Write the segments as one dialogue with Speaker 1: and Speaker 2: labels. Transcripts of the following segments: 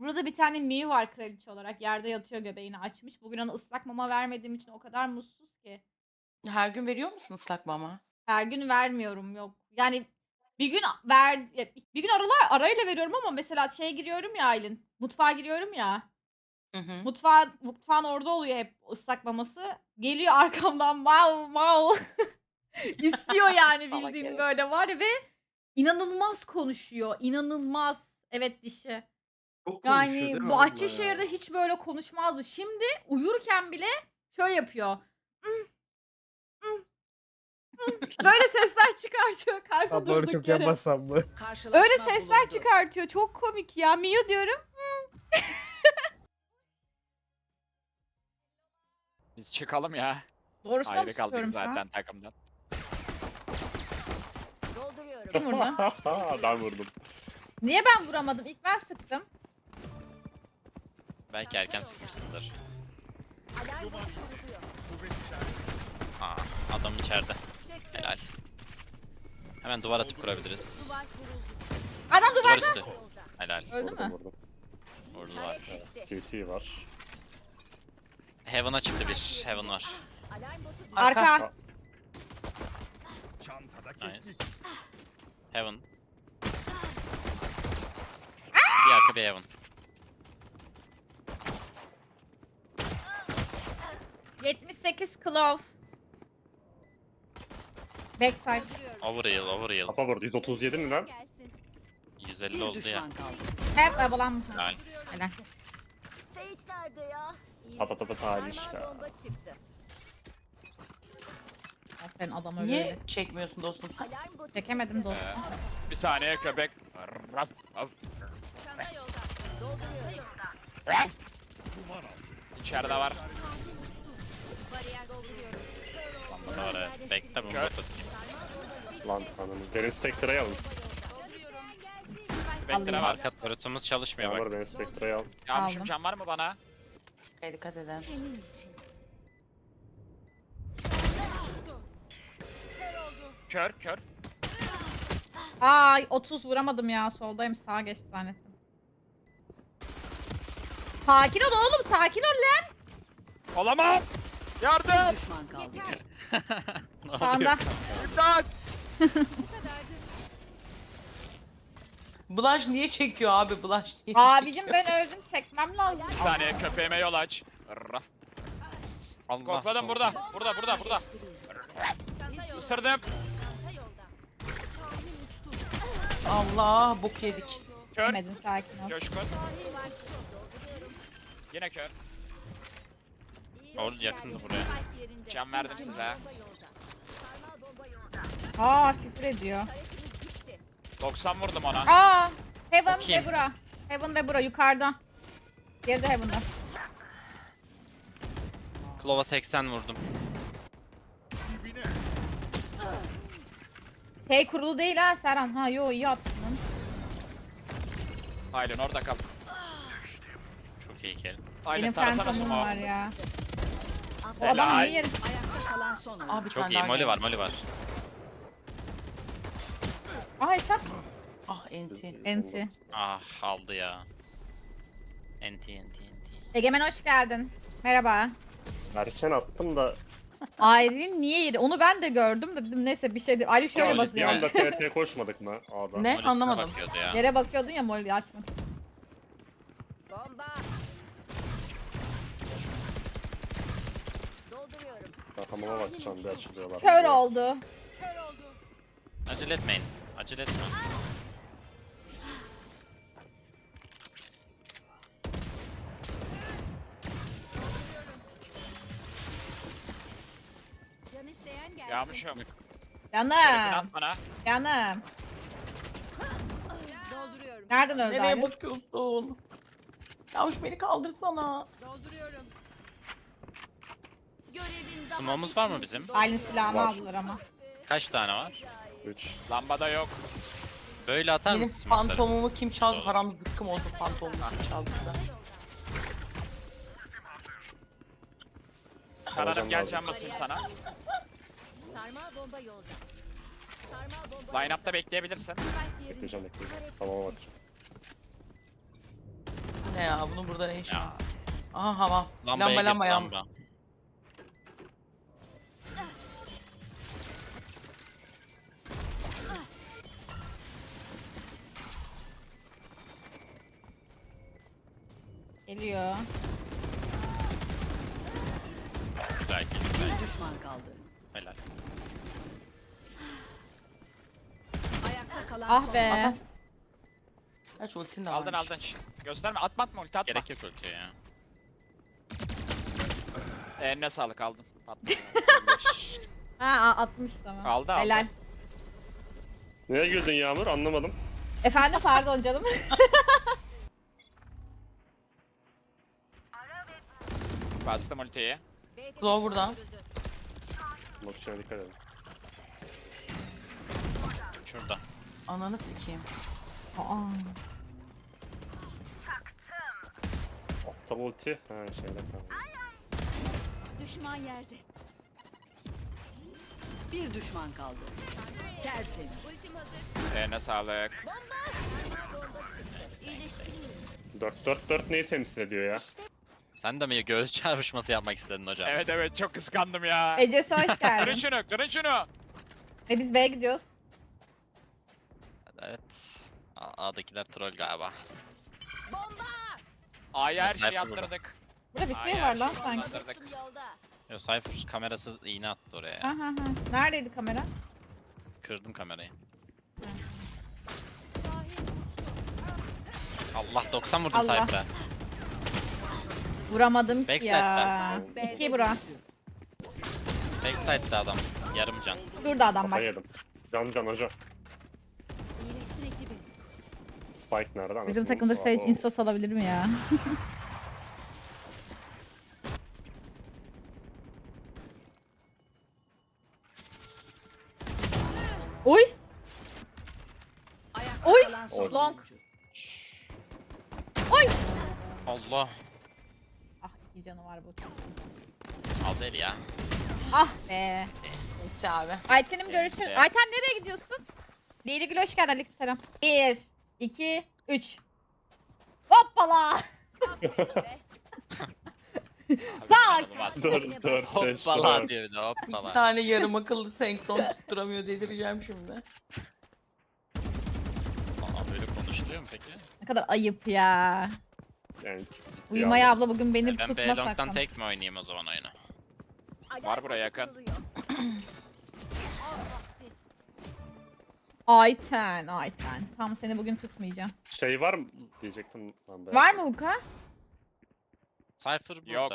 Speaker 1: Burada bir tane Miu var kraliçe olarak. Yerde yatıyor göbeğini açmış. Bugün ona ıslak mama vermediğim için o kadar mutsuz ki.
Speaker 2: Her gün veriyor musun ıslak mama?
Speaker 1: Her gün vermiyorum, yok. Yani bir gün bir gün arayla veriyorum ama mesela şeye giriyorum ya Aylin, mutfağa giriyorum ya,
Speaker 2: Hı hı.
Speaker 1: mutfağın orada oluyor hep ıslak maması. Geliyor arkamdan "Mav mav." istiyor yani
Speaker 2: Salak
Speaker 1: bildiğin
Speaker 2: herif.
Speaker 1: böyle var ya ve inanılmaz konuşuyor, inanılmaz. Evet, dişi.
Speaker 3: Çok konuşuyor değil
Speaker 1: Yani
Speaker 3: mi abla
Speaker 1: Bahçeşehir'de
Speaker 3: ya?
Speaker 1: hiç böyle konuşmazdı. Şimdi uyurken bile şöyle yapıyor. Böyle sesler çıkartıyor kanka
Speaker 4: Ablaları
Speaker 1: durduk
Speaker 4: çok
Speaker 1: yere.
Speaker 4: yapmazsam mı?
Speaker 1: Öyle sesler çıkartıyor. Çok komik ya. Miu diyorum.
Speaker 5: Biz çıkalım ya.
Speaker 1: Doğrusunu mu
Speaker 5: Ayrı kaldık
Speaker 1: tutuyorum şu an?
Speaker 5: zaten takımdan.
Speaker 1: Kim vurdu?
Speaker 3: Ben vurdum.
Speaker 1: Niye ben vuramadım? İlk ben sıktım.
Speaker 6: Belki erken sıkmışsındır. Aa, adam içeride. Helal. Hemen duvar atıp kurabiliriz.
Speaker 1: Adam
Speaker 6: Duvar
Speaker 1: duvarda.
Speaker 6: üstü. Helal.
Speaker 1: Öldü mü?
Speaker 3: Vurdum.
Speaker 6: Vurdular.
Speaker 3: CT var.
Speaker 6: Heaven'a çıktı bir. Heaven var.
Speaker 1: Arka.
Speaker 6: Nice. Heaven. Bir arka bir Heaven.
Speaker 1: 78 Clove. Backside.
Speaker 6: Overheal, overheal.
Speaker 3: Kafa vurdu. 137 mi lan?
Speaker 6: 150 oldu ya.
Speaker 1: Hep abalan.
Speaker 6: Helal.
Speaker 1: Helal.
Speaker 7: Sage nerede ya?
Speaker 3: Patata tarih
Speaker 7: Sarmal
Speaker 3: ya.
Speaker 7: bomba çıktı.
Speaker 1: Aferin adam öyle.
Speaker 2: Niye çekmiyorsun dostum sen?
Speaker 7: Alarm botu
Speaker 1: Çekemedim dostum.
Speaker 5: Bir saniye köpek. Raf, raf.
Speaker 7: çanta yolda. Dolduruyorum.
Speaker 5: Raf. İçeride var.
Speaker 7: Bariyer dolduruyorum.
Speaker 6: Lamba da var evet. Bekle bunu
Speaker 5: Kör.
Speaker 6: tutayım.
Speaker 3: Lan ananı. Derin Spectre'yi alın.
Speaker 5: Bekle var.
Speaker 6: Arka turretumuz çalışmıyor
Speaker 3: Yağmur
Speaker 6: bak.
Speaker 3: Derin Spectre'yi al.
Speaker 5: Yanlışım
Speaker 1: Aldım.
Speaker 5: can var mı bana?
Speaker 2: Dikkat edin.
Speaker 7: Senin için.
Speaker 5: Kör kör.
Speaker 1: Ay 30 vuramadım ya. Soldayım, sağa geçti zannettim. Sakin ol oğlum, sakin ol lan.
Speaker 5: Olamam. Yardım.
Speaker 6: Ne oluyor?
Speaker 1: Sağında.
Speaker 5: İmdat.
Speaker 2: Blush niye çekiyor abi? Blush niye
Speaker 1: Abicim
Speaker 2: çekiyor?
Speaker 1: ben öldüm, çekmem lazım.
Speaker 5: Bir saniye köpeğime yol aç. Raf.
Speaker 6: Allah
Speaker 5: Kokladım
Speaker 6: sol.
Speaker 5: burada. Burada.
Speaker 7: Çanta yolda.
Speaker 5: Isırdım.
Speaker 7: Çanta yolda.
Speaker 2: Allah bok yedik.
Speaker 5: Kör.
Speaker 1: Demedin, sakin ol.
Speaker 5: Coşkun.
Speaker 7: Sahil var. Dolduruyorum.
Speaker 5: Yine kör.
Speaker 6: Oğlum yakındı buraya.
Speaker 7: Spike yerinde.
Speaker 5: Can verdim size.
Speaker 7: Bomba yolda. Sarmal bomba yolda.
Speaker 1: Aa, küfür ediyor.
Speaker 7: Hareketimiz gitti.
Speaker 5: 90 vurdum ona.
Speaker 1: Aa, Heaven
Speaker 6: Bakayım.
Speaker 1: ve bura. Heaven ve bura yukarıda. Geride Heaven'da.
Speaker 6: Klova 80 vurdum.
Speaker 1: Şey kurulu değil ha Serhan. Ha yo, iyi attın lan.
Speaker 5: Aylin orada kal.
Speaker 6: Çok iyi kill.
Speaker 5: Aylin
Speaker 1: Benim
Speaker 5: tarasana
Speaker 1: Phantom'um var
Speaker 5: sumo.
Speaker 1: ya. O
Speaker 5: Helal.
Speaker 1: adam niye yeri?
Speaker 7: Ayakta kalan son oyun.
Speaker 2: Abi bir
Speaker 6: Çok
Speaker 2: tane
Speaker 6: iyi.
Speaker 2: daha
Speaker 6: Molly
Speaker 2: geldi.
Speaker 6: var, Molly var.
Speaker 1: Aa eşap.
Speaker 2: Ah enti.
Speaker 1: Enti.
Speaker 6: Ah aldı ya. NT.
Speaker 1: Egemen hoş geldin. Merhaba.
Speaker 3: Erken attım da
Speaker 1: Aylin niye yedi? Onu ben de gördüm de dedim neyse bir şey değil. Aylin şöyle
Speaker 6: Aylin
Speaker 3: bir
Speaker 1: basıyor.
Speaker 3: anda TRT koşmadık mı A'da?
Speaker 2: Ne?
Speaker 6: Molly
Speaker 2: Anlamadım.
Speaker 6: üstüne bakıyordu ya.
Speaker 1: Yere bakıyordun ya, Molly açma.
Speaker 7: Bomba. Dolduruyorum.
Speaker 3: Kafama bakacağım bir açılıyorlar.
Speaker 1: Kör
Speaker 3: diye.
Speaker 1: oldu.
Speaker 6: Acele etmeyin. Acele etme.
Speaker 7: Can isteyen gelsin.
Speaker 5: Yağmışım.
Speaker 1: Canım.
Speaker 5: Şerefini at bana.
Speaker 1: Canım.
Speaker 7: Dolduruyorum.
Speaker 1: Nereden öldü
Speaker 2: Nereye
Speaker 1: Aylin?
Speaker 2: bakıyorsun? Yavuş beni kaldırsana.
Speaker 7: Dolduruyorum. Görevin daha
Speaker 6: Smoke'umuz var mı bizim?
Speaker 1: Aylin silahını
Speaker 3: Var.
Speaker 1: aldılar ama.
Speaker 6: Kaç tane var?
Speaker 3: 3.
Speaker 5: Lambada yok.
Speaker 6: Böyle atar
Speaker 2: Benim
Speaker 6: mısın smoke'ları?
Speaker 2: fantomumu kim çaldı?
Speaker 6: Doğru.
Speaker 2: Param zıkkım oldu fantomumu kim çaldı da.
Speaker 5: Kararım gel
Speaker 3: lazım.
Speaker 5: can basayım sana.
Speaker 7: sarmal bomba yolda. Sarmal bomba.
Speaker 5: Line-up'ta bekleyebilirsin.
Speaker 7: Spike yerinde.
Speaker 3: Bekleyeceğim. Tamam bakacağım.
Speaker 2: ne ya? Bunun burada ne işi var?
Speaker 6: Ya.
Speaker 2: Aha hamam.
Speaker 6: Lambaya
Speaker 2: Lamba
Speaker 6: girdi,
Speaker 2: lamba yan.
Speaker 6: lamba.
Speaker 1: Geliyor.
Speaker 6: Güzel ki güzel.
Speaker 7: Bir düşman kaldı.
Speaker 6: Helal.
Speaker 7: Ayakta kalan
Speaker 1: Ah
Speaker 7: son.
Speaker 1: be.
Speaker 2: Aha. Kaç ultin de
Speaker 5: Aldın
Speaker 2: varmış.
Speaker 5: aldın. Gösterme. Atma atma ulti atma.
Speaker 6: Gerek yok ultiye ya.
Speaker 5: Eline sağlık aldın. Atma.
Speaker 1: Ha 60 tamam.
Speaker 5: Aldı, aldı.
Speaker 1: Helal.
Speaker 3: Neye güldün Yağmur? Anlamadım.
Speaker 1: Efendim pardon canım.
Speaker 5: Bastım ultiyi.
Speaker 2: Claw buradan.
Speaker 3: Bak içine dikkat edin.
Speaker 6: Şurada.
Speaker 2: Ananı sikeyim.
Speaker 1: Aa.
Speaker 3: Aptal ulti. Ha şeyde kaldı.
Speaker 7: Düşman yerde. Bir düşman kaldı. Tertemiz. Ultim hazır.
Speaker 5: Eline sağlık.
Speaker 7: İyileştirin.
Speaker 3: 4-4-4 neyi temsil ediyor ya?
Speaker 6: Sen de mi göğüs çarpışması yapmak istedin hocam?
Speaker 5: Evet evet çok kıskandım ya.
Speaker 1: Ecesi hoş
Speaker 5: Kırın
Speaker 1: geldin.
Speaker 5: şunu kırın şunu.
Speaker 1: Biz B'ye gidiyoruz.
Speaker 6: Evet. A'dakiler troll galiba.
Speaker 5: A'ya her
Speaker 6: Sniper
Speaker 5: şeyi
Speaker 6: burada.
Speaker 5: attırdık.
Speaker 1: Burada bir şey
Speaker 5: A'ya
Speaker 1: var
Speaker 5: her
Speaker 1: lan
Speaker 5: şeyi
Speaker 1: sanki.
Speaker 5: attırdık.
Speaker 7: Yolda.
Speaker 6: Yo Cypher kamerası iğne attı oraya.
Speaker 1: Ha ha ha. Neredeydi kamera?
Speaker 6: Kırdım kamerayı. Allah 90 vurdum
Speaker 1: Allah.
Speaker 6: Cypher'a.
Speaker 1: Vuramadım ki
Speaker 6: Backside
Speaker 1: ya.
Speaker 3: ben.
Speaker 1: 2 bura.
Speaker 6: Backside'de adam. Yarım can.
Speaker 1: Şurada adam
Speaker 3: Kafa
Speaker 1: bak.
Speaker 3: yedim. Can hoca.
Speaker 7: İyileştin ekibim.
Speaker 3: Spike nerede?
Speaker 1: Bizim
Speaker 3: Anasını
Speaker 1: takımda
Speaker 3: satayım.
Speaker 1: Sage insta salabilir mi ya? Oy!
Speaker 7: Ayakta
Speaker 1: Oy!
Speaker 7: kalan son
Speaker 1: Long.
Speaker 7: oyuncu.
Speaker 6: Allah.
Speaker 1: Ah iyi canı var bu.
Speaker 6: Aldı eli ya.
Speaker 1: Ah be.
Speaker 2: Neyse abi.
Speaker 1: Ayten'im görüşür.
Speaker 6: Neyse.
Speaker 1: Ayten nereye gidiyorsun? Leyli Gül hoş geldin. Aleykümselam. 1, 2, 3. Hoppala. Tak.
Speaker 3: 4 4 5
Speaker 6: Hoppala
Speaker 3: 4.
Speaker 6: diyor bir de
Speaker 2: İki
Speaker 6: hoppala.
Speaker 2: tane yarım akıllı senkron tutturamıyor delireceğim şimdi.
Speaker 6: Aa, böyle konuşuluyor mu peki?
Speaker 1: Ne kadar ayıp ya.
Speaker 3: Yani
Speaker 1: Uyumaya abla bugün beni
Speaker 6: Ben B
Speaker 1: tutma
Speaker 6: long'dan
Speaker 1: sakın.
Speaker 6: tek mi oynayayım o zaman oyunu?
Speaker 5: Var buraya yakın.
Speaker 1: Ayten. Tam seni bugün tutmayacağım.
Speaker 3: şey var mı diyecektim ben de.
Speaker 1: Var mı Uka?
Speaker 6: Cypher burada.
Speaker 5: Yok.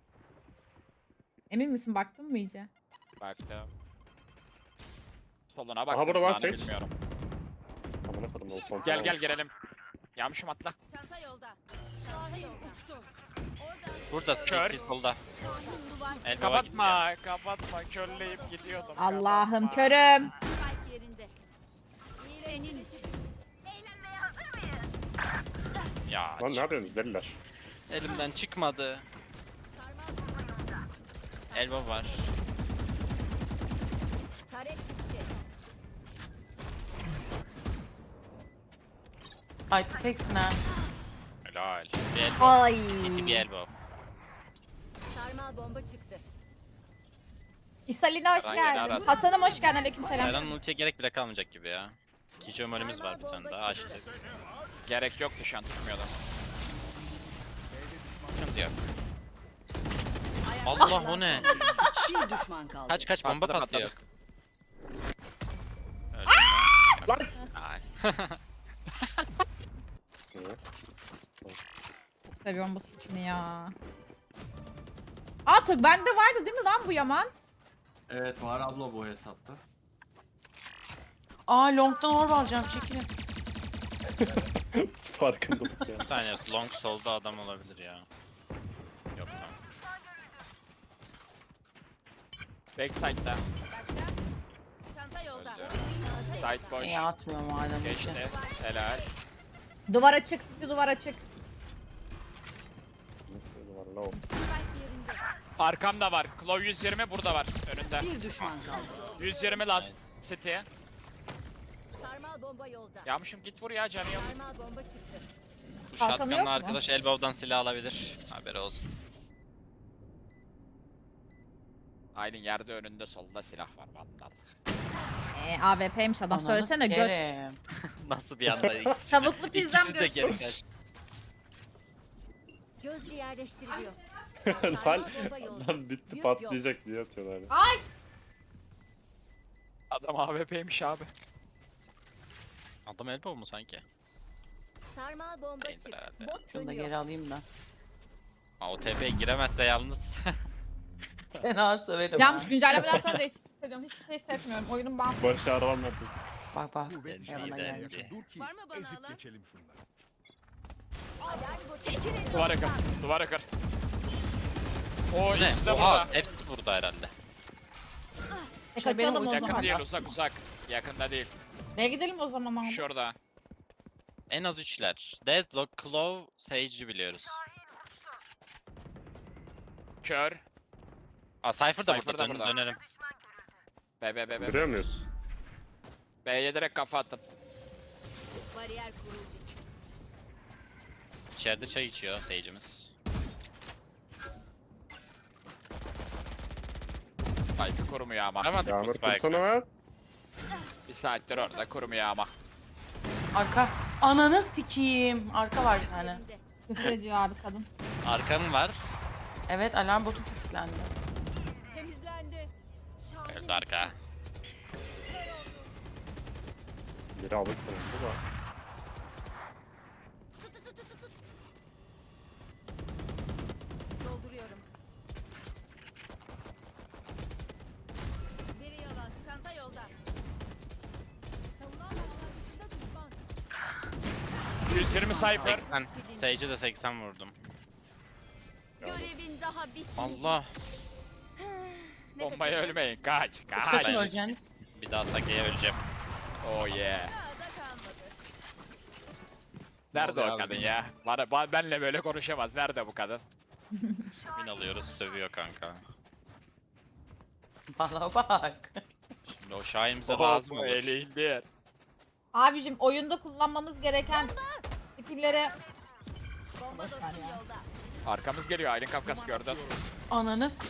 Speaker 1: Emin misin baktın mı iyice?
Speaker 5: Baktım. Soluna baktım.
Speaker 3: burada var
Speaker 5: sağını
Speaker 3: Sage.
Speaker 5: bilmiyorum.
Speaker 3: Amına kodum o kontrol
Speaker 5: Gel
Speaker 3: olmuş.
Speaker 5: girelim. Yağmışım atla.
Speaker 7: Çanta yolda. Çanta yolda.
Speaker 6: Burada
Speaker 5: Kör.
Speaker 6: CT solda.
Speaker 7: Duvar.
Speaker 6: Elbaba gitti.
Speaker 5: Kapatma. Körleyip gidiyordum.
Speaker 1: Allah'ım
Speaker 5: kapatma.
Speaker 1: körüm.
Speaker 7: Spike yerinde. Senin için.
Speaker 6: Ya
Speaker 3: Lan ne yapıyorsunuz deliler?
Speaker 6: elimden çıkmadı. Elbow var.
Speaker 7: Tarek gitti.
Speaker 2: Ay teksin ha.
Speaker 6: Helal. Bir elbow.
Speaker 1: Ay.
Speaker 6: Bir CT bir elbow.
Speaker 7: Sarmal bomba çıktı.
Speaker 1: İsalina hoş
Speaker 5: Aran
Speaker 1: geldin.
Speaker 5: gene arasın.
Speaker 1: Hasan'ım hoş geldin. Aleykümselam.
Speaker 6: Sayran'ın ultiye gerek bile kalmayacak gibi ya. Kijo molimiz var bir tane daha açtık.
Speaker 5: Gerek yoktu şu an tutmuyordu.
Speaker 6: Sıkıntı yok.
Speaker 7: Ayakta
Speaker 6: Allah
Speaker 7: kalan
Speaker 6: o ne?
Speaker 7: son. Bir düşman kaldı.
Speaker 6: Kaç bomba
Speaker 5: Patladı,
Speaker 6: patlıyor.
Speaker 5: patladı.
Speaker 6: Öldün mü?
Speaker 3: Lan!
Speaker 6: Ay.
Speaker 3: Niye?
Speaker 1: Çok seviyorum bu skin'i ya. Artık bende vardı değil mi lan bu Yaman?
Speaker 4: Evet var abla bu hesapta.
Speaker 2: Aa long'dan orb alacağım çekilin.
Speaker 3: Farkındalık ya.
Speaker 6: Bir saniye long solda adam olabilir ya. Yok tamam.
Speaker 5: Backside'da.
Speaker 7: Başka? Çanta yolda.
Speaker 5: Öldü.
Speaker 7: Çanta
Speaker 5: Side boş.
Speaker 2: İyi atmıyorum madem.
Speaker 5: Geçti. Helal.
Speaker 1: Duvar açık, duvar açık.
Speaker 3: Nasıl var la o?
Speaker 7: Spike yerinde.
Speaker 5: Arkamda var. Claw 120 burada var. Önünde.
Speaker 7: Bir düşman kaldı.
Speaker 5: 120 last city.
Speaker 7: Sarmal bomba yolda.
Speaker 5: Yağmışım git vur ya canı yok.
Speaker 7: Sarmal bomba çıktı.
Speaker 6: Bu
Speaker 1: Kalkanı yok
Speaker 6: shotgun'la
Speaker 1: mu?
Speaker 6: arkadaş elbow'dan silah alabilir. Haberi olsun.
Speaker 5: Aylin yerde önünde solda silah var vandal.
Speaker 1: AWP'ymiş adam.
Speaker 2: Ananı
Speaker 1: Söylesene göt.
Speaker 2: sikerim.
Speaker 6: Nasıl bir anda ikisi de,
Speaker 1: Tavuklu pizzam
Speaker 6: ikisi de geri
Speaker 1: görsün.
Speaker 6: kaçtı.
Speaker 7: Gözcü yerleştiriliyor.
Speaker 3: Lan
Speaker 7: Bomba yolda.
Speaker 3: adam bitti
Speaker 7: Yük
Speaker 3: patlayacak diye atıyorlar. ya.
Speaker 5: Adam AWP'ymiş abi.
Speaker 6: Adam elbow mu sanki?
Speaker 7: Sarmal bomba
Speaker 6: Değildir
Speaker 7: çık.
Speaker 6: herhalde.
Speaker 7: Bot
Speaker 2: Şunu da
Speaker 7: dönüyor.
Speaker 2: geri alayım da.
Speaker 6: Ha, o TP'ye giremezse yalnız.
Speaker 2: Fena söverim
Speaker 1: Yanlış
Speaker 2: ha.
Speaker 1: güncellemeden sonra değişik hissediyorum. Hiçbir şey hissetmiyorum. Oyunun ben
Speaker 3: Başaramadım.
Speaker 2: Bak bak.
Speaker 6: Dendi,
Speaker 2: Yanına geldi.
Speaker 6: dendi.
Speaker 8: Dur ki
Speaker 7: Var mı bana
Speaker 8: ezip
Speaker 7: alan?
Speaker 8: geçelim şunları.
Speaker 7: Alarm botu. Çekilin.
Speaker 5: Duvara kır. Duvara kır. O
Speaker 6: Bu ne?
Speaker 5: ikisi de
Speaker 6: Oha
Speaker 5: burada.
Speaker 6: hepsi burada herhalde.
Speaker 1: kaçalım o
Speaker 5: Yakın
Speaker 1: zaman.
Speaker 5: değil uzak. Yakında değil.
Speaker 1: Ve gidelim o zaman abi.
Speaker 5: Şurada.
Speaker 6: En az 3'ler. Deadlock, Claw, Sage'i biliyoruz.
Speaker 5: Kör.
Speaker 6: Aa Cypher da
Speaker 5: Cypher
Speaker 6: burada.
Speaker 5: da burada.
Speaker 6: Dönerim.
Speaker 5: B.
Speaker 3: Görüyor muyuz?
Speaker 5: B'ye direkt kafa attım.
Speaker 7: Bariyer kuruldu.
Speaker 6: İçeride çay içiyor Sage'imiz.
Speaker 5: Spike'ı kurumuyor ama.
Speaker 6: Aramadık mı
Speaker 3: Yağmur
Speaker 6: Spike'ı?
Speaker 3: kursana lan.
Speaker 5: Bir saattir orada kurumuyor ama.
Speaker 2: Arka. Ananı sikeyim. Arka var bir tane.
Speaker 7: Yerinde.
Speaker 1: Küfür ediyor abi kadın.
Speaker 6: Arkanın var.
Speaker 2: Evet alarm botu kilitlendi.
Speaker 7: Temizlendi.
Speaker 6: Öldü arka.
Speaker 3: Biri alık durumda da.
Speaker 7: Dolduruyorum. Biri yalan. Çanta yolda. Savunan başlangıçta düşman.
Speaker 5: 120 Cypher.
Speaker 6: 80. Sage'e de 80 vurdum.
Speaker 7: Görevin daha bitmedi.
Speaker 6: Allah.
Speaker 7: Ne
Speaker 5: Bombaya
Speaker 7: kaçırdın?
Speaker 5: ölmeyin. Kaç.
Speaker 2: Kaçın
Speaker 6: Ben-
Speaker 2: öleceğiniz.
Speaker 6: Bir daha Sage'ye öleceğim.
Speaker 5: Oh yeah.
Speaker 7: Daha da kalmadı.
Speaker 5: Nerede
Speaker 6: oluyor
Speaker 5: o
Speaker 6: abi
Speaker 5: kadın
Speaker 6: benim?
Speaker 5: ya? Benle böyle konuşamaz. Nerede bu kadın?
Speaker 6: Win alıyoruz sövüyor kanka.
Speaker 2: Bana bak.
Speaker 6: Şimdi o Şahin bize lazım olur.
Speaker 5: Eli indir.
Speaker 1: Abicim oyunda kullanmamız gereken skill'lere
Speaker 7: Bomba dostum
Speaker 1: ya.
Speaker 7: yolda.
Speaker 5: Arkamız geliyor. Aylin Kafkas gördün.
Speaker 2: Ananı s-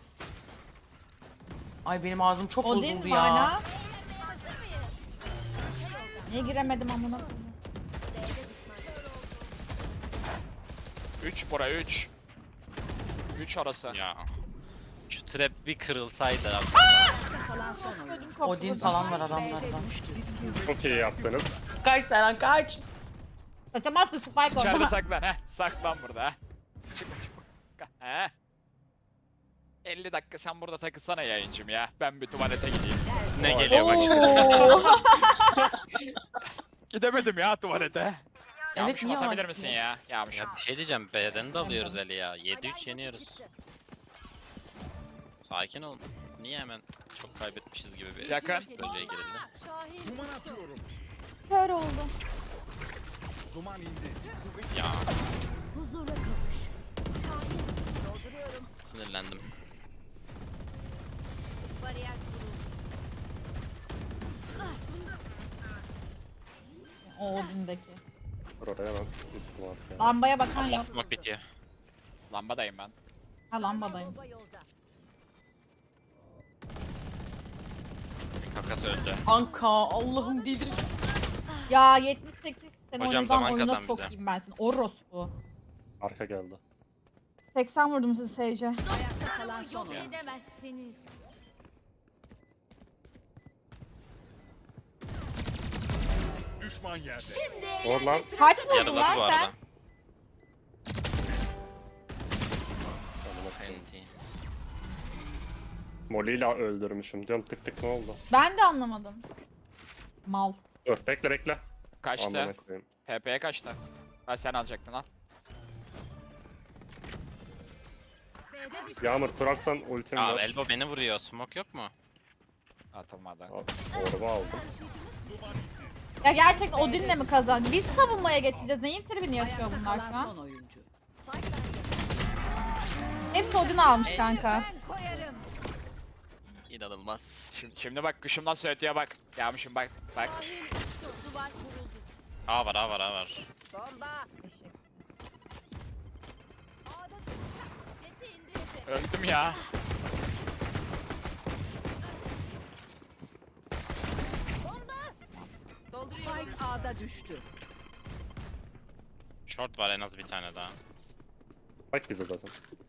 Speaker 2: Ay benim ağzım çok
Speaker 1: Odin
Speaker 2: bozuldu
Speaker 1: var
Speaker 2: ya.
Speaker 1: ya.
Speaker 7: Hazır mıyız?
Speaker 1: Niye giremedim amına koyayım?
Speaker 7: B'de düşman.
Speaker 5: 3 bura 3. 3 arası.
Speaker 6: Ya. Şu trap bir kırılsaydı abi.
Speaker 7: Kalan son oyun.
Speaker 1: Ödüm koptu.
Speaker 2: Odin falan var adamlarda.
Speaker 3: Çok iyi yaptınız.
Speaker 2: Kaç Serhan kaç.
Speaker 1: Kaçamaz ki spike
Speaker 5: İçeride
Speaker 1: oldu.
Speaker 5: saklan. Saklan burada. Çıkma. He. 50 dakika sen burada takılsana yayıncım ya. Ben bir tuvalete gideyim.
Speaker 6: Ne geliyor bak.
Speaker 1: Oo.
Speaker 5: Gidemedim ya tuvalete. Yağmış
Speaker 2: niye
Speaker 5: basabilir
Speaker 2: var?
Speaker 5: misin ya? Yağmış.
Speaker 6: Ya bir şey diyeceğim. B'den de alıyoruz eli ya. 7-3 yeniyoruz. Sakin ol. Niye hemen çok kaybetmişiz gibi bir
Speaker 5: Yakın.
Speaker 6: psikolojiye girildi.
Speaker 7: Şahin.
Speaker 8: Duman atıyorum.
Speaker 1: Kör oldu.
Speaker 8: Duman indi.
Speaker 6: Ya
Speaker 7: Huzura kavuş. Şahin. Dolduruyorum.
Speaker 6: sinirlendim.
Speaker 7: Bariyer kuruldu.
Speaker 1: O Odin'deki.
Speaker 3: Dur oraya lan. Üstüm var ya.
Speaker 1: Lambaya bakan
Speaker 6: Allah
Speaker 1: yok.
Speaker 6: smoke bitiyor.
Speaker 5: Lambadayım ben.
Speaker 1: Ha lambadayım.
Speaker 7: Bomba yolda.
Speaker 6: Kakas öldü.
Speaker 2: Anka Allah'ım delireceğim.
Speaker 1: Ya 78 sene
Speaker 6: Hocam,
Speaker 1: oynadan
Speaker 6: zaman
Speaker 1: oyuna
Speaker 6: kazan bize.
Speaker 1: sokayım ben seni. Orospu.
Speaker 3: Arka geldi.
Speaker 1: 80 vurdum size Sage'e.
Speaker 7: Ayakta kalan son
Speaker 5: yok
Speaker 7: oyun.
Speaker 5: oyun.
Speaker 7: Edemezsiniz.
Speaker 8: Düşman yerde.
Speaker 7: Şimdi
Speaker 3: Or lan.
Speaker 1: Kaç vurdun
Speaker 6: Yarıladı
Speaker 1: lan
Speaker 6: bu
Speaker 1: sen?
Speaker 6: arada.
Speaker 3: Amına koyayım.
Speaker 6: NT.
Speaker 3: Molly ile öldürmüşüm. Diyorum tık tık ne oldu?
Speaker 1: Ben de anlamadım. Mal.
Speaker 3: Dur bekle.
Speaker 5: Kaçtı.
Speaker 3: Amına koyayım.
Speaker 5: TP'ye kaçtı. Ha sen alacaktın al.
Speaker 7: B'de düşman.
Speaker 3: Yağmur kurarsan ultim
Speaker 6: Aa
Speaker 3: var.
Speaker 6: elbow beni vuruyor. Smoke yok mu?
Speaker 5: Atılmadı.
Speaker 3: Al, Orba aldım.
Speaker 1: Ya gerçekten Odin'le mi kazan? Biz savunmaya geçeceğiz. Neyin tribini yaşıyor
Speaker 7: Ayakta
Speaker 1: bunlar
Speaker 7: kalan
Speaker 1: şu an?
Speaker 7: son oyuncu.
Speaker 1: Hepsi Odin almış kanka.
Speaker 7: Ben koyarım.
Speaker 6: İnanılmaz.
Speaker 5: Şimdi bak kuşum nasıl ötüyor bak. Yağmışım bak. Bak.
Speaker 7: Duvar kuruldu.
Speaker 6: A var A var A var.
Speaker 7: Bomba.
Speaker 1: Eşek.
Speaker 5: Öldüm ya.
Speaker 7: Spike A'da düştü.
Speaker 6: Short var en az bir tane daha.
Speaker 3: Bak bize zaten.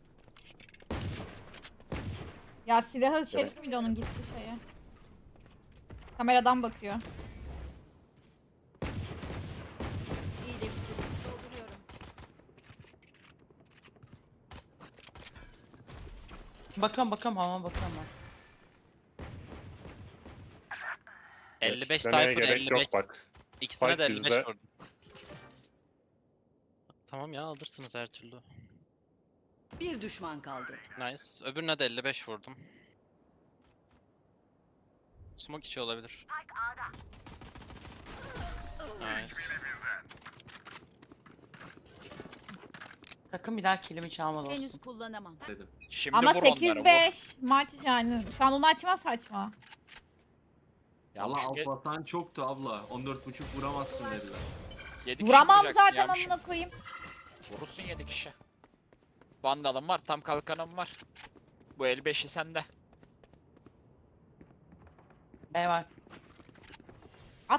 Speaker 1: Ya silahı Şerif miydi onun gitti şeye? Kameradan bakıyor.
Speaker 7: İyileştirdim. Dolduruyorum.
Speaker 2: Bakalım hamama bakalım ben.
Speaker 6: 55
Speaker 3: Demeye
Speaker 6: Cypher,
Speaker 3: gerek
Speaker 6: 55.
Speaker 3: yok bak.
Speaker 6: İkisine de
Speaker 3: Spike
Speaker 6: 55
Speaker 3: bizde.
Speaker 6: vurdum. Tamam ya alırsınız her türlü.
Speaker 7: Bir düşman kaldı.
Speaker 6: Nice. Öbürüne de 55 vurdum. Smoke içi olabilir. Nice.
Speaker 2: Sakın bir daha kilimi çalma
Speaker 7: Henüz
Speaker 2: dostum.
Speaker 7: kullanamam.
Speaker 4: Dedim.
Speaker 5: Şimdi
Speaker 1: Ama
Speaker 5: vur onları, vur.
Speaker 1: 8-5 maç yani. Şu an onu açma saçma.
Speaker 4: Valla
Speaker 5: Yanlış
Speaker 4: alt basan çoktu abla. 14.5 vuramazsın dediler.
Speaker 5: 7 kişi
Speaker 1: Vuramam
Speaker 5: vuracaksın
Speaker 1: zaten
Speaker 5: yanlış.
Speaker 1: amına koyayım.
Speaker 5: Vurursun 7 kişi. Vandalım var, tam kalkanım var. Bu el 5'i sende.
Speaker 2: B var.
Speaker 1: At.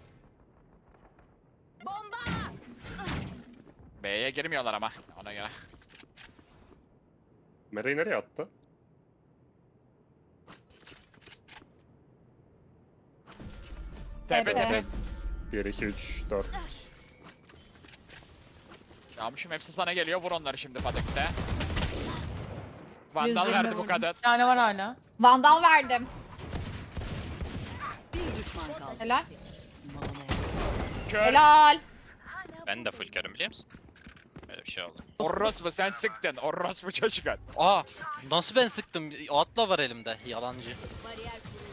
Speaker 5: B'ye girmiyorlar ama ona göre.
Speaker 3: Mere'yi nereye attı?
Speaker 5: Tepe
Speaker 1: Tepe.
Speaker 5: tepe.
Speaker 3: 1, 2, 3, 4.
Speaker 5: Yağmışım hepsi sana geliyor, vur onları şimdi Padik'te. Vandal
Speaker 1: 120
Speaker 5: verdi bu
Speaker 1: vurdum.
Speaker 5: kadın.
Speaker 2: Bir tane var hala.
Speaker 1: Vandal verdim.
Speaker 7: Bir düşman kaldı.
Speaker 1: Helal.
Speaker 5: Kör.
Speaker 1: Helal.
Speaker 6: Ben de full körüm biliyor musun? Böyle bir şey oldu.
Speaker 5: Orospu sen sıktın. Orospu çocuk.
Speaker 6: Aa! Nasıl ben sıktım? Atla var elimde. Yalancı.
Speaker 7: Bariyer kuruldu.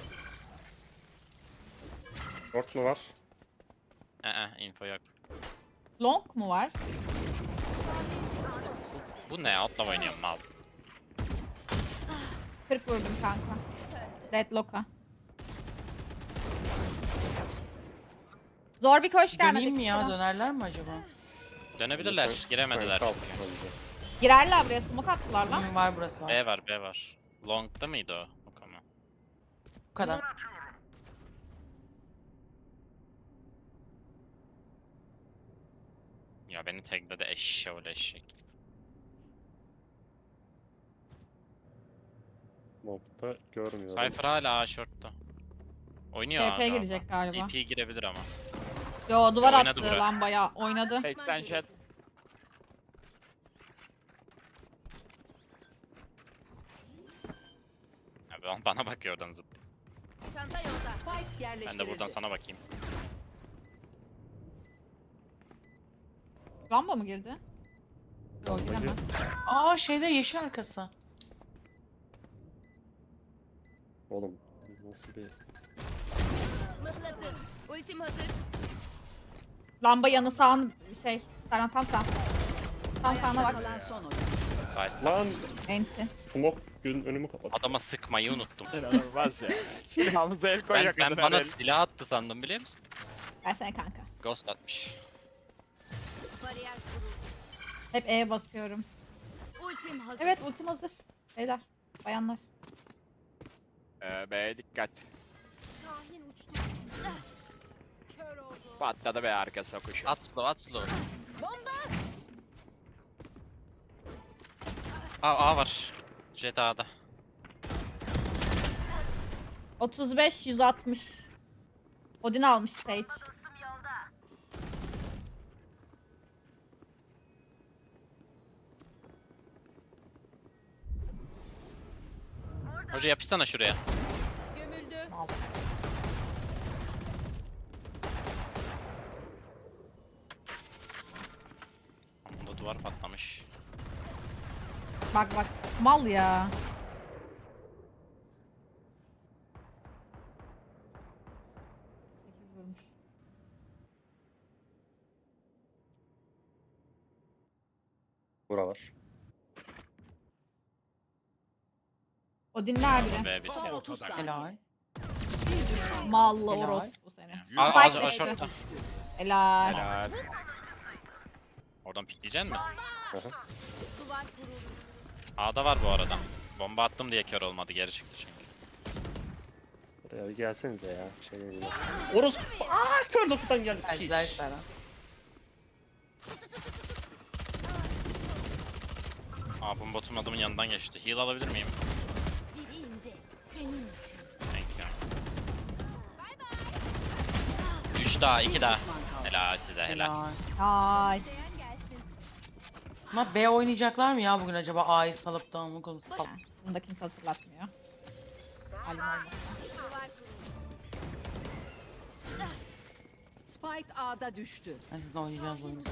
Speaker 3: Short mu var?
Speaker 6: Info yok.
Speaker 1: Long mu var?
Speaker 6: Bu ne? Atla oynuyorum mal.
Speaker 1: 40 vurdum kanka. Deadlock'a. Zor bir koş gelmedi.
Speaker 2: Döneyim mi ya? Dönerler mi acaba?
Speaker 6: Dönebilirler.
Speaker 3: Sen-
Speaker 6: Giremediler.
Speaker 3: sen kal
Speaker 6: çünkü.
Speaker 3: bence.
Speaker 1: Girerler buraya, smoke attılar lan.
Speaker 2: Var burası var.
Speaker 6: B var, B var. Long'da mıydı o? Yok ama.
Speaker 2: Bu kadar.
Speaker 6: Ya beni tagledi eşşoğlu eşek.
Speaker 3: Nokta görmüyorum.
Speaker 6: Cypher hala A short'ta. Oynuyor
Speaker 1: TP
Speaker 6: A
Speaker 1: girecek galiba.
Speaker 6: TP girebilir ama.
Speaker 1: Yo duvar
Speaker 6: Oynadı
Speaker 1: attı
Speaker 6: bura.
Speaker 1: lan bayağı. Oynadı.
Speaker 5: 80 jet.
Speaker 6: Bana bakıyor oradan zıp.
Speaker 7: Çanta yolda. Spike
Speaker 6: Ben
Speaker 7: yerleştirildi.
Speaker 6: de buradan sana bakayım.
Speaker 1: Lamba mı girdi? Yo giremez.
Speaker 2: Aa şeyde yeşil arkası.
Speaker 3: Oğlum nasıl bir...
Speaker 7: Mıhladım. Ultim hazır.
Speaker 1: Lamba yanı sağın şey. Serhan tam sağ. Tam sağına bak.
Speaker 7: Kalan son oyun.
Speaker 6: Cypher.
Speaker 3: Lan
Speaker 1: Enti.
Speaker 3: smoke gün önümü kapat.
Speaker 6: Adama sıkmayı unuttum.
Speaker 5: İnanılmaz ya. Silahımıza el koyuyor
Speaker 6: Ben
Speaker 5: kadın
Speaker 6: bana
Speaker 5: el.
Speaker 6: silah attı sandım biliyor musun?
Speaker 1: Versene kanka.
Speaker 6: Ghost atmış.
Speaker 7: Bariyer kuruldu.
Speaker 1: Hep E'ye basıyorum.
Speaker 7: Ultim hazır.
Speaker 1: Evet ultim hazır. Beyler. Bayanlar.
Speaker 5: B'ye dikkat.
Speaker 7: Şahin uçtu. Kör oldu.
Speaker 5: Patladı be arkası kuşu.
Speaker 6: At slow, at slow. A var. Jet A'da.
Speaker 1: 35 160. Odin almış Sage.
Speaker 6: Hoca yapışsana şuraya.
Speaker 7: Gömüldü.
Speaker 6: Bunda duvar patlamış.
Speaker 1: Bak bak. Mal ya. Sekiz vurmuş.
Speaker 3: Bura var.
Speaker 1: Odin nerede?
Speaker 6: B bir.
Speaker 7: Son 30 saniye.
Speaker 2: Helal.
Speaker 7: Bir düşman.
Speaker 1: Mallı
Speaker 2: Helal.
Speaker 1: oros bu sene.
Speaker 6: A
Speaker 1: Spike
Speaker 6: short'ta.
Speaker 1: Helal.
Speaker 5: Helal.
Speaker 6: Oradan pikleyeceksin mi?
Speaker 3: Aha.
Speaker 7: Duvar kuruldu.
Speaker 6: A'da var bu arada. Bomba attım diye kör olmadı. Geri çıktı çünkü.
Speaker 3: Buraya bir gelsenize ya. Şey değil. Orospu. Aaa kör dokudan geldi.
Speaker 2: Geldiler sana.
Speaker 6: Aa bu botum adamın yanından geçti. Heal alabilir miyim?
Speaker 7: Biri indi. Senin için.
Speaker 6: Thank you. 3 daha 2 daha.
Speaker 7: Düşman kaldı.
Speaker 6: Helal size helal.
Speaker 2: Helal.
Speaker 1: Ay.
Speaker 2: Ama B oynayacaklar mı ya bugün acaba? A'yı salıp da mı konuşsam?
Speaker 1: Bunu da kimse hatırlatmıyor. Halim olmasın.
Speaker 7: Spike A'da düştü.
Speaker 2: Ben sizin oynayacağınız oyunu.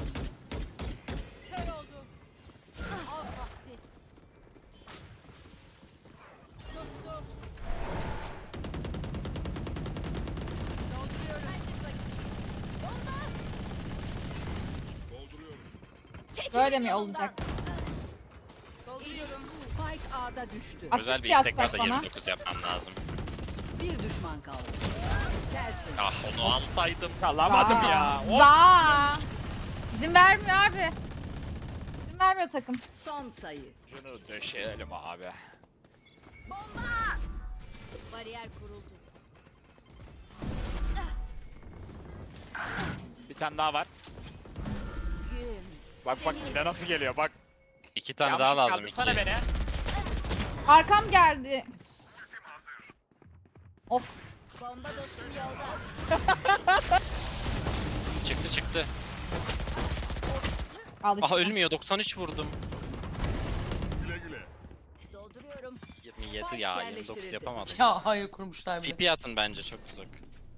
Speaker 1: Böyle mi olacak?
Speaker 7: Spike A'da düştü.
Speaker 6: Özel bir
Speaker 1: Asist
Speaker 6: istek var da
Speaker 1: yapsak bana.
Speaker 6: 29 yapmam lazım.
Speaker 7: Bir düşman kaldı. Tersin.
Speaker 6: Ah onu alsaydım.
Speaker 5: Alamadım ya. Hop.
Speaker 1: Za. İzin vermiyor abi. İzin vermiyor takım.
Speaker 7: Son sayı.
Speaker 5: Şunu döşeyelim abi.
Speaker 7: Bariyer kuruldu.
Speaker 5: Bir tane daha var. Bak bak yine nasıl geliyor bak.
Speaker 6: 2 tane daha lazım.
Speaker 5: Kaldırsana
Speaker 6: 2.
Speaker 5: beni.
Speaker 1: Arkam geldi. Of.
Speaker 7: Bomba dostum yolda.
Speaker 6: Çıktı çıktı.
Speaker 1: Al işte.
Speaker 6: Aha ölmüyor 93 vurdum.
Speaker 8: Güle güle.
Speaker 7: Dolduruyorum.
Speaker 6: 27 ya 29 yapamadım.
Speaker 2: Ya hayır kurmuşlar bile.
Speaker 6: TP atın bence çok uzak.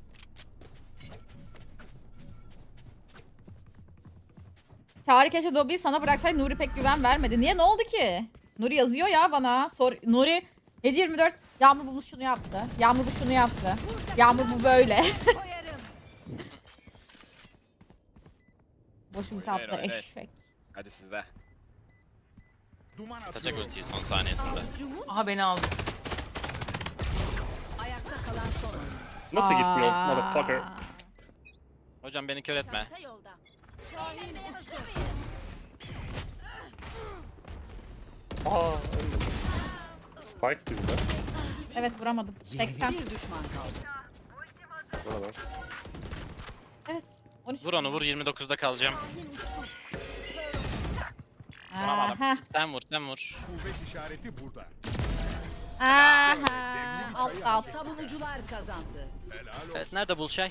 Speaker 1: Çağrı keşke Dobby'yi sana bıraksaydı, Nuri pek güven vermedi. Niye, ne oldu ki? Nuri yazıyor ya bana. Nuri 7/24 Yağmur bu şunu yaptı. Yağmur bu şunu yaptı. Yağmur bu böyle.
Speaker 7: Koyarım.
Speaker 1: Boşun
Speaker 5: Oynayın,
Speaker 1: tatlı
Speaker 5: oynayın.
Speaker 1: eşek.
Speaker 5: Hadi sizde.
Speaker 8: Duman
Speaker 6: Atacak
Speaker 8: atıyorum.
Speaker 6: ultiyi son saniyesinde.
Speaker 2: Aha beni aldı.
Speaker 7: Ayakta kalan son oyun.
Speaker 3: Nasıl gitmiyor
Speaker 1: Aa.
Speaker 3: motherfucker?
Speaker 6: Hocam beni kör etme.
Speaker 7: Çanta yolda.
Speaker 3: Aa ölmedim. Spike bizde.
Speaker 1: Evet vuramadım. 80.
Speaker 7: Bir düşman kaldı.
Speaker 3: Burada.
Speaker 1: Evet. 13.
Speaker 6: Vur onu vur 29'da kalacağım.
Speaker 1: Aha.
Speaker 6: Sen vur sen vur.
Speaker 8: Kuvvet işareti burada.
Speaker 1: Aha. Alt alt.
Speaker 7: Savunucular kazandı.
Speaker 8: Helal olsun.
Speaker 6: Evet nerede Bulşay?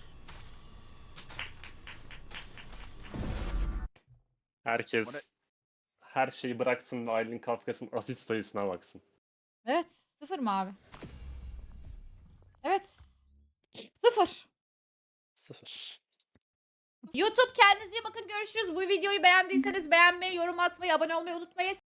Speaker 3: Herkes
Speaker 5: Bu ne?
Speaker 3: her şeyi bıraksın ve Aylin Kafkas'ın asist sayısına baksın.
Speaker 1: Evet. 0 mı abi? Evet. 0.
Speaker 3: 0.
Speaker 1: YouTube kendinize iyi bakın, görüşürüz. Bu videoyu beğendiyseniz beğenmeyi, yorum atmayı, abone olmayı unutmayın.